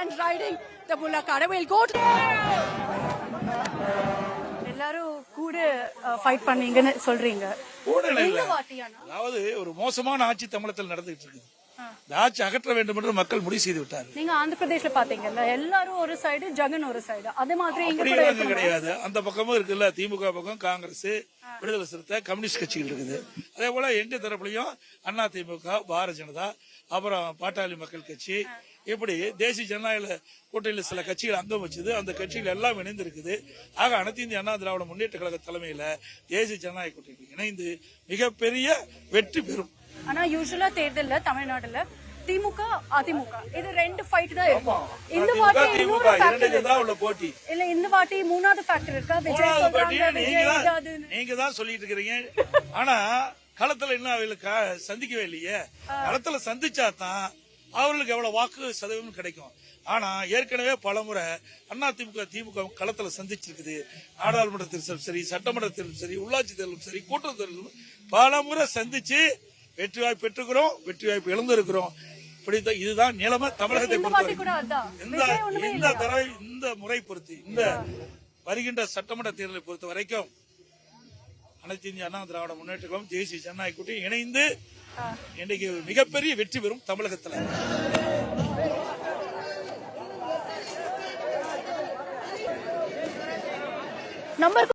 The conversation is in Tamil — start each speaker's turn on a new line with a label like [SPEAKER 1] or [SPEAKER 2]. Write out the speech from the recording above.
[SPEAKER 1] and riding the bullock cart. We'll go to எல்லாரும் கூட ஃபைட் பண்ணீங்கன்னு சொல்றீங்க.
[SPEAKER 2] அதாவது ஒரு மோசமான ஆட்சி தமிழகத்தில் நடந்துட்டு இருக்குது. இந்த ஆட்சி அகற்ற வேண்டும் என்று மக்கள் முடிவு செய்து விட்டார்.
[SPEAKER 1] நீங்க ஆந்திர பிரதேஷ்ல பாத்தீங்கல்ல, எல்லாரும் ஒரு சைடு, ஜெகன் ஒரு சைடு. அதே மாதிரி இங்க
[SPEAKER 2] கிடையாது. அந்த பக்கமும் இருக்குல்ல, திமுக பக்கம் காங்கிரஸ், விடுதலை சிறுத்தை, கம்யூனிஸ்ட் கட்சிகள் இருக்குது. அதே போல எங்க தரப்புலையும் அண்ணா திமுக, பாரதிய ஜனதா, அப்புறம் பாட்டாளி மக்கள் கட்சி, இப்படி தேசிய ஜனநாயக கூட்டணியில் சில கட்சிகள் அங்கம் வச்சது. அந்த கட்சிகள் எல்லாம் இணைந்து இருக்குது. ஆக அனைத்து இந்திய அண்ணா திராவிட முன்னேற்ற கழக தலைமையில தேசிய ஜனநாயக கூட்டணி இணைந்து மிகப்பெரிய வெற்றி பெறும்.
[SPEAKER 1] ஆனா யூசுவலா தேர்தல்ல தமிழ்நாடுல திமுக அதிமுக இது ரெண்டு ஃபைட் தான் இருக்கும். இந்த வாட்டி இன்னொரு ஃபேக்டர்
[SPEAKER 2] தான் உள்ள போட்டி
[SPEAKER 1] இல்ல. இந்த வாட்டி மூணாவது ஃபேக்டர் இருக்கா? விஜய் சொல்றாங்க,
[SPEAKER 2] நீங்க தான் சொல்லிட்டு இருக்கீங்க. ஆனா களத்துல இன்னும் அவங்களுக்கு சந்திக்கவே இல்லையே. களத்துல சந்திச்சா தான் அவர்களுக்கு எவ்வளவு வாக்கு சதவீதம் கிடைக்கும். ஆனா ஏற்கனவே பலமுறை அதிமுக திமுக களத்துல சந்திச்சிருக்குது. நாடாளுமன்ற தேர்தலும் சரி, சட்டமன்ற தேர்தலும் சரி, உள்ளாட்சி தேர்தலும் சரி, கூட்டுறவு தேர்தலும் பலமுறை சந்திச்சு வெற்றி வாய்ப்பு பெற்றுக்கிறோம், வெற்றி வாய்ப்பு இழந்திருக்கிறோம். இதுதான் நிலைமை தமிழகத்தை இந்த முறை பொறுத்து, இந்த வருகின்ற சட்டமன்ற தேர்தலை பொறுத்த வரைக்கும் அனைத்து இந்திய அண்ணா திராவிட முன்னேற்ற கழகம் தேசிய ஜனநாயக கூட்டணி இணைந்து இன்னைக்கு மிகப்பெரிய வெற்றி பெறும் தமிழகத்தில்.